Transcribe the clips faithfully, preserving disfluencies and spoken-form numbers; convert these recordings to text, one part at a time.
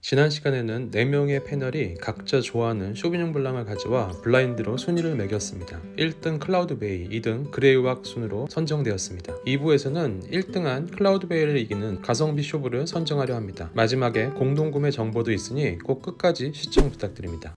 지난 시간에는 네 명의 패널이 각자 좋아하는 쇼비뇽 블랑을 가져와 블라인드로 순위를 매겼습니다. 일 등 클라우드베이, 이 등 그레이왁 순으로 선정되었습니다. 이 부에서는 일 등한 클라우드베이를 이기는 가성비 쇼부를 선정하려 합니다. 마지막에 공동구매 정보도 있으니 꼭 끝까지 시청 부탁드립니다.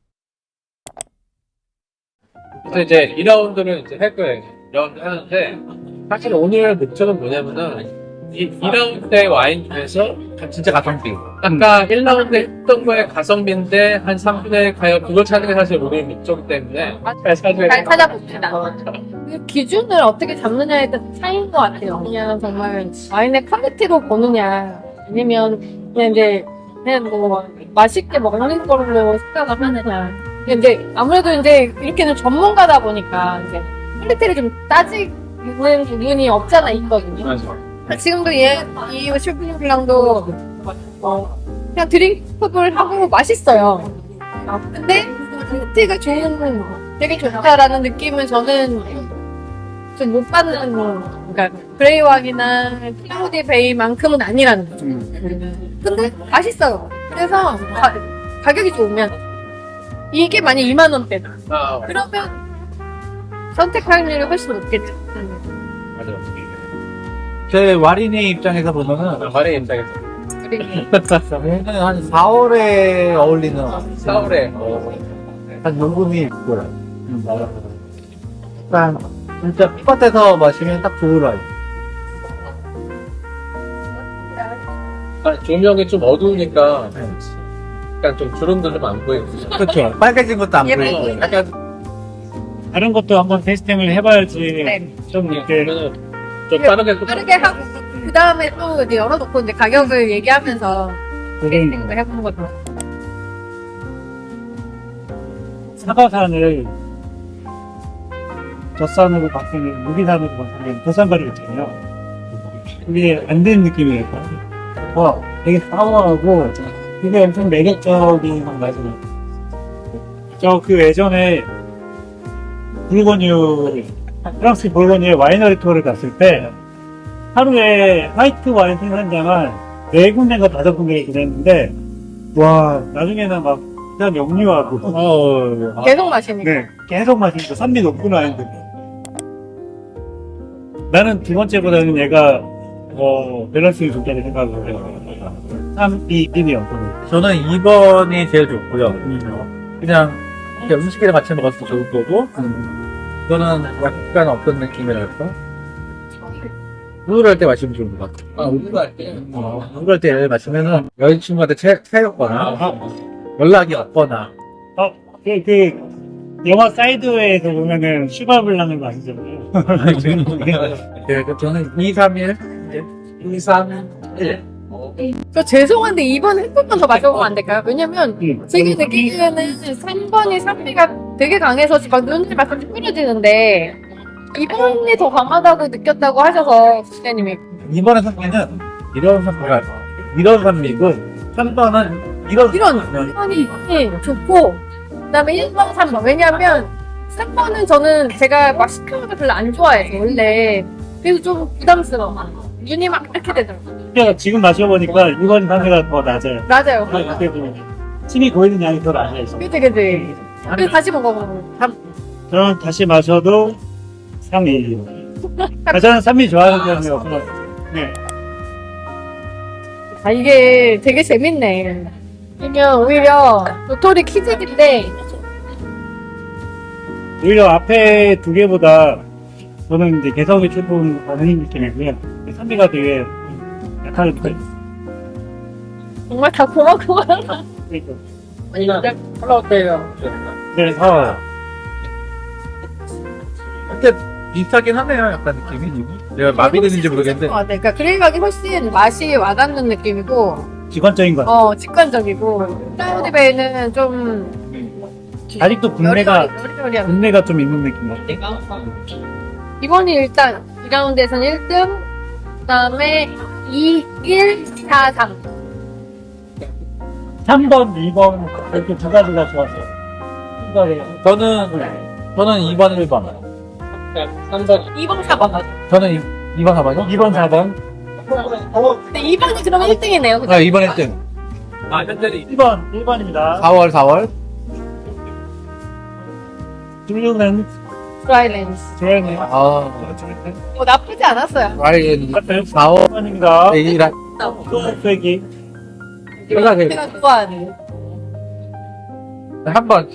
그래서 이제 이 라운드를 이제 할 거예요. 이 라운드 하는데 사실 오늘 목적은 뭐냐면은 이, 이 라운드의 와인 중에서 진짜 가성비. 아까 일 라운드 했던 거에 가성비인데 한 삼분의 일 가요. 그걸 찾는 게 사실 오늘 목적이기 때문에 잘 찾아야 잘 찾아봅시다. 그 기준을 어떻게 잡느냐에 따라 차이인 것 같아요. 그냥 정말 와인의 퀄리티로 보느냐, 아니면 그냥 이제 그냥 뭐 맛있게 먹는 걸로 생각을 하느냐. 근데 이제 아무래도 이제 이렇게는 전문가다 보니까 이제 퀄리티를 좀 따지는 부분이 없잖아 있거든요. 맞아. 지금도 얘, 이 쇼비뇽 블랑도 어, 그냥 드링크를 하고 맛있어요. 근데 퀄리티가 좋은, 되게 좋다라는 느낌은 저는 좀 못 받는, 그러니까 그레이왁이나 클라우디 베이만큼은 아니라는 거죠. 근데 맛있어요. 그래서 가, 가격이 좋으면 이게 만약 이만 원대다. 아, 그러면 선택할 확률이 훨씬 높겠죠. 맞아. 제 와린의 입장에서 보면은 말의 입장에서 그리고 한 사월에 어울리는 사월에 한 용금이 있고요. 약간 진짜 풋밭에서 마시면 딱 좋을 와인. 조명이 좀 어두우니까 약간 좀 주름도 좀 안 보이고. 그렇죠. 빨개진 것도 안 예쁘고. 보이고. 약간 다른 것도 한번 테스팅을 해봐야지 네. 좀 이렇게 그러면은 좀 빠르게 또 빠르게 하고 그 다음에 또 이제 열어놓고 이제 가격을 얘기하면서 테이스팅도 해보는 것도. 사과산을 젖산으로 바뀌는 무기산으로 바뀌는 도산가루 있잖아요. 그게 안 되는 느낌이에요. 와, 되게 사과하고 되게 엄청 매력적인 맛이에요. 저 그 예전에 불고뉴 프랑스 불고뉴의 와이너리 투어를 갔을 때 하루에 화이트 와인 생산장을 네 군데가 다섯 군데 그랬는데 와 나중에는 막 그냥 역류하고 어, 계속 마시니까. 네 계속 마시니까 산미 높구나 했는데 나는 두 번째보다는 얘가 어, 밸런스가 좋다는 생각을 해요. 삼, 이, 일이요. 저는 이 번이 제일 좋고요. 그냥 이렇게 음식이랑 같이 먹었을 때 좋을 거고, 저는 약간 어떤 느낌이랄까? 우울할 때 마시면 좋은 것 같아요. 아, 우울할 때. 어, 우울할 때 마시면은 여자친구한테 채, 채였거나, 연락이 없거나, 어, 그, 그, 영화 사이드웨이에서 보면은 슈가블랑을 마시잖아요. 네, 그 저는 이, 삼, 일, 이, 삼, 일. 저 죄송한데 이 번 한 번만 더 마셔보면 안 될까요? 왜냐면 음. 제가 느끼기에는 삼 번이 산미가 되게 강해서 막 눈이 막 뿌려지는데 이 번이 더 강하다고 느꼈다고 하셔서 부장님이 이번의 산미는 이런 산미가, 이런 산미고, 삼 번은 이런 이런 산미. 번이 좋고 그다음에 일 번, 삼 번 왜냐면 삼 번은 저는 제가 막 시큼한 걸 별로 안 좋아해서 원래 그래서 좀 부담스러워 눈이 막 이렇게 되더라고요. 그러니까 지금 마셔보니까 이번 산미가 더 낮아요. 맞아요. 어떻게 보면 침이 고이는 양이 더 낮아요. 그치 그치 그래서 다시 먹어보면 저는 다시 마셔도 삼, 이. 아, 저는 산미 좋아하는 편이어서. 네. 아 이게 되게 재밌네. 그러면 오히려 도토리 키즈인데 오히려 앞에 두 개보다 저는 이제 개성이 조금 많은 느낌이고요. 산미가 되게 약한 편. 정말 다 고맙고만 그러니까. 컬러어때요? 그래서 근데 비슷하긴 하네요, 약간 느낌이. 내가 마비되는지 모르겠는데. 그러니까 그레이각이 훨씬 맛이 와닿는 느낌이고 직관적인 것 같아요. 어 직관적이고 클라우드베이는 좀 아직도 분내가, 여리여리한 분내가 좀 있는 느낌 같아요. 이번이 일단 이 라운드에서는 일 등 그 다음에 이, 일, 사, 삼 삼 번, 이 번 이렇게 두 가지가 좋았어요. 생각해요. 저는, 저는 이 번, 일 번. 삼 번. 이 번, 사 번 맞아. 저는 이 번, 사 번이요? 이 번, 사 번. 근데 이 번이 그러면 일 등이네요. 아, 이 번 일 등. 아, 현재는 일 번, 일 번입니다. 사월, 사월. 블루는 드라이랜스. 조연이. 아, 뭐 나쁘지 않았어요. 와인 같은 사월. 일 번입니다. 이라. 소백이. 제가 그- 제가 좋아하는. 한 번.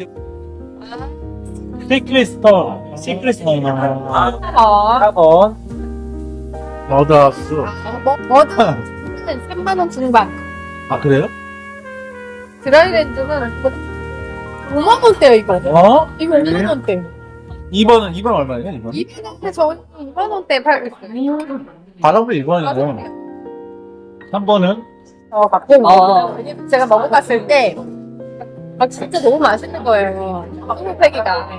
시크리스터. 시크리스터입니다. 아, 사 번. 머더스. 뭐, 뭐든 삼만 원 중반. 아, 그래요? 드라이랜드는 오만 원대요, 이거. 어? 이거 오만 원대. 이 번은, 이 번 얼마예요, 이 번? 이만 원대 저희 이만 원대 팔고 있어요. 가성비 이 번이고. 삼 번은 어, 가끔 먹어요. 왜냐면 제가 먹어봤을 때, 아, 진짜 너무 맛있는 거예요. 소고패기가.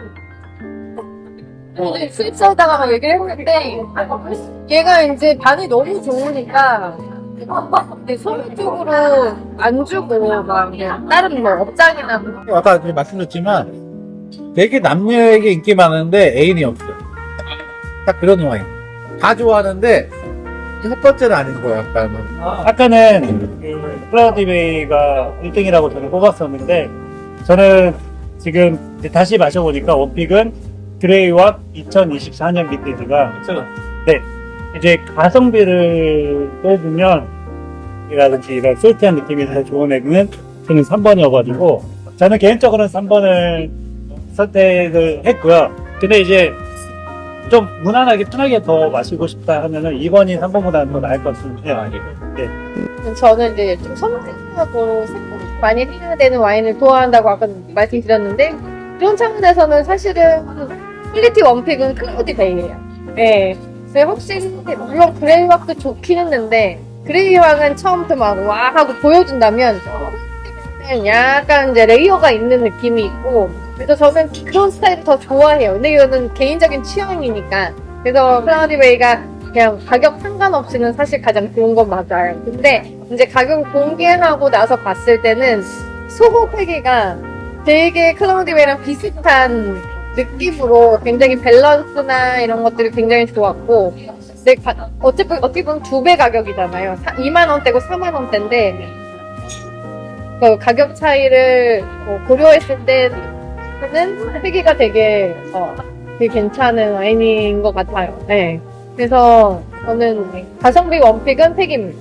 근데 수입사에다가 막 얘기를 했는데, 얘가 이제 반이 너무 좋으니까, 근데 소매 쪽으로 안 주고, 막, 그냥 다른 뭐 업장이나 뭐, 아까 그 말씀드렸지만 되게 남녀에게 인기 많은데 애인이 없어요. 딱 그런 와인. 다 좋아하는데 첫 번째는 아닌 거야. 약간. 아까는 그 클라우디베이가 일 등이라고 저는 뽑았었는데 저는 지금 이제 다시 마셔보니까 원픽은 그레이와 이천이십사 년 빈티지가 네 이제 가성비를 빼주면 이라든지 이런 솔티한 느낌이 더 좋은 애는 저는 삼 번이어가지고 저는 개인적으로는 삼 번을 선택을 했고요. 근데 이제 좀 무난하게 편하게 더 마시고 싶다 하면은 이 번이 삼 번보다는 더 나을 것 같은데 저는 이제 좀 섬세하고 생각 많이 해야 되는 와인을 좋아한다고 아까 말씀드렸는데 그런 차원에서는 사실은 퀄리티 원픽은 클라우디 베이예요. 네. 근데 혹시 물론 그레이왁도 좋긴 했는데 그레이왁은 처음부터 막 와 하고 보여준다면 약간 이제 레이어가 있는 느낌이 있고 그래서 저는 그런 스타일을 더 좋아해요. 근데 이거는 개인적인 취향이니까 그래서 클라우디 베이가 그냥 가격 상관없이는 사실 가장 좋은 건 맞아요. 근데 이제 가격 공개하고 나서 봤을 때는 소고 패기가 되게 클라우디웨이랑 비슷한 느낌으로 굉장히 밸런스나 이런 것들이 굉장히 좋았고 근데 가- 어차피 어떻게 보면 두 배 가격이잖아요. 이만 원대고 사만 원대인데 그 가격 차이를 뭐 고려했을 때는 패기가 되게 어, 되게 괜찮은 와인인 것 같아요. 네. 그래서 저는 가성비 원픽은 팩입니다.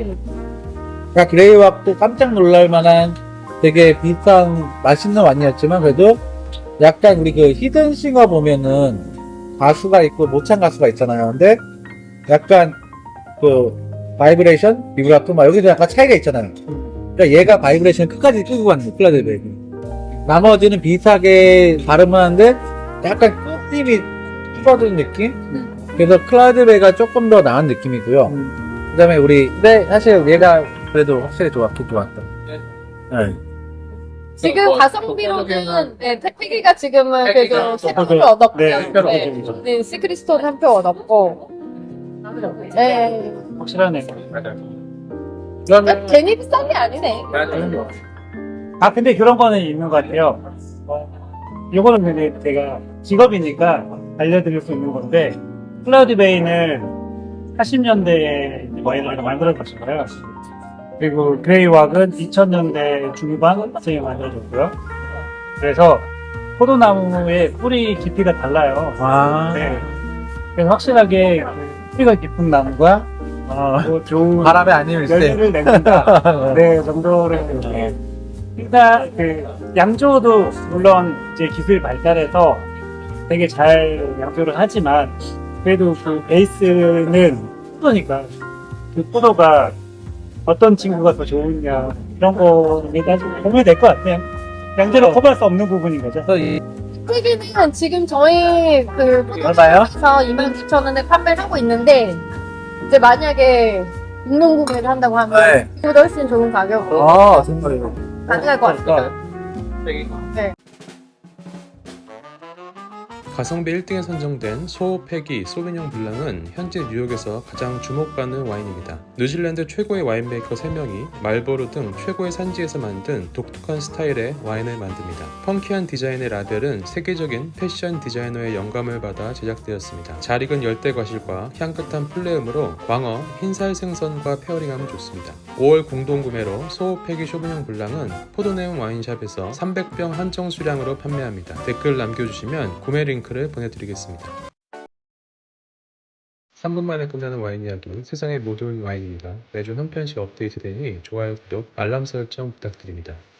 그러니까 그레이왁도 깜짝 놀랄 만한 되게 비싼 맛있는 와인이었지만 그래도 약간 우리 그 히든싱어 보면은 가수가 있고 모창 가수가 있잖아요. 근데 약간 그 바이브레이션, 비브라토 막 여기서 약간 차이가 있잖아요. 그러니까 얘가 바이브레이션 끝까지 끌고 가는 거 클라우디베이. 나머지는 비슷하게 발음을 하는데 약간 끝님이 줄어드는 느낌? 그래서 클라우드베이가 조금 더 나은 느낌이고요. 그 다음에 우리, 근데 사실 얘가 그래도 확실히 좋았긴 좋았다. 네. 지금 어, 가성비로는 네, 팩이가 지금은 팩이가 그래도 세 또 표를 네, 얻었고요. 네, 표를 네, 얻었죠. 네, 시크리스톤 한 표 얻었고. 네. 확실하네. 그러니까 괜히 비싼 게 아니네. 아 근데 그런 거는 있는 것 같아요. 어, 이거는 근데 제가 직업이니까 알려드릴 수 있는 건데 클라우디베이는 팔십 년대에 와인을 만들어졌어요. 그리고 그레이왁은 이천 년대 중반쯤에 만들어졌고요. 그래서 포도나무의 뿌리 깊이가 달라요. 아, 네. 그래서 확실하게 그 뿌리가 깊은 나무가 아, 또 좋은 바람에 안 입을 때. 열매를 낸다. 네, 정도를 이렇게. 일단 그 양조도 물론 이제 기술이 발달해서 되게 잘 양조를 하지만 그래도 그 베이스는 포도니까 그 포도가 어떤 친구가 더 좋으냐 이런 거에 따지고 보면 될 것 같아요. 양조로 커버할 수 없는 부분인 거죠. 그래서 이, 팩이는 지금 저희 그 얼마요? 포도에서 이만 구천 원에 판매를 하고 있는데 이제 만약에 육농 구매를 한다고 하면 네. 그보다 훨씬 좋은 가격으로 아, 정말요. 가능할 것 같습니다. 가성비 일 등에 선정된 소호패기 소비뇽 블랑은 현재 뉴욕에서 가장 주목받는 와인입니다. 뉴질랜드 최고의 와인메이커 세 명이 말보로 등 최고의 산지에서 만든 독특한 스타일의 와인을 만듭니다. 펑키한 디자인의 라벨은 세계적인 패션 디자이너의 영감을 받아 제작되었습니다. 잘 익은 열대 과실과 향긋한 플레음으로 광어, 흰살 생선과 페어링하면 좋습니다. 오월 공동구매로 소호패기 쇼비뇽 블랑은 포도네온 와인샵에서 삼백 병 한정 수량으로 판매합니다. 댓글 남겨주시면 구매 링크를 보내드리겠습니다. 삼 분 만에 끝나는 와인 이야기, 세상의 모든 와인입니다. 매주 한 편씩 업데이트되니 좋아요, 구독, 알람 설정 부탁드립니다.